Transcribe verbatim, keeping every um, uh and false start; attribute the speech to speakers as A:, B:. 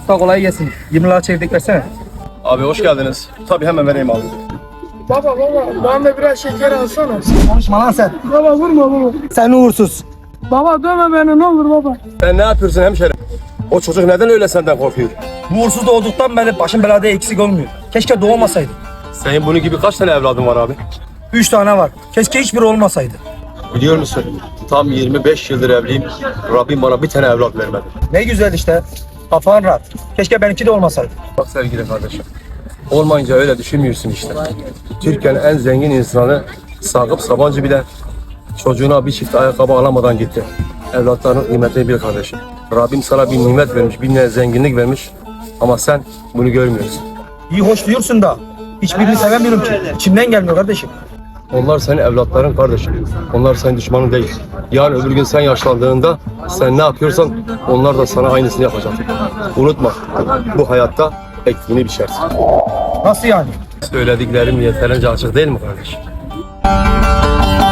A: Usta kolay gelsin. yirmi lira çevirdik versene.
B: Abi hoş geldiniz. Tabii hemen vereyim abi.
C: Baba baba bana da biraz şeker alsana.
A: Konuşma lan sen.
C: Baba vurma baba.
A: Sen uğursuz.
C: Baba dövme beni ne olur baba.
B: Sen ne yapıyorsun hemşerim? O çocuk neden öyle senden korkuyor?
A: Bu uğursuz doğduktan beri başım belada eksik olmuyor. Keşke doğmasaydı.
B: Senin bunun gibi kaç tane evladın var abi?
A: Üç tane var. Keşke hiçbiri olmasaydı.
B: Biliyor musun? Tam yirmi beş yıldır evliyim. Rabbim bana bir tane evlat vermedi.
A: Ne güzel işte. Kafan rahat. Keşke benimki de olmasaydı.
B: Bak sevgili kardeşim. Olmayınca öyle düşünmüyorsun işte. Türkiye'nin en zengin insanı Sakıp Sabancı bile çocuğuna bir çift ayakkabı alamadan gitti. Evlatlarının kıymetini bil kardeşim. Rabbim sana bir nimet vermiş, bir ne zenginlik vermiş. Ama sen bunu görmüyorsun.
A: İyi hoş diyorsun da. Hiçbirini sevemiyorum ki. İçimden gelmiyor kardeşim.
B: Onlar senin evlatların kardeşim. Onlar senin düşmanın değil. Yarın öbür gün sen yaşlandığında sen ne yapıyorsan onlar da sana aynısını yapacak. Unutma, bu hayatta ektiğini biçersin.
A: Nasıl yani?
B: Söylediklerim yeterince açık değil mi kardeşim?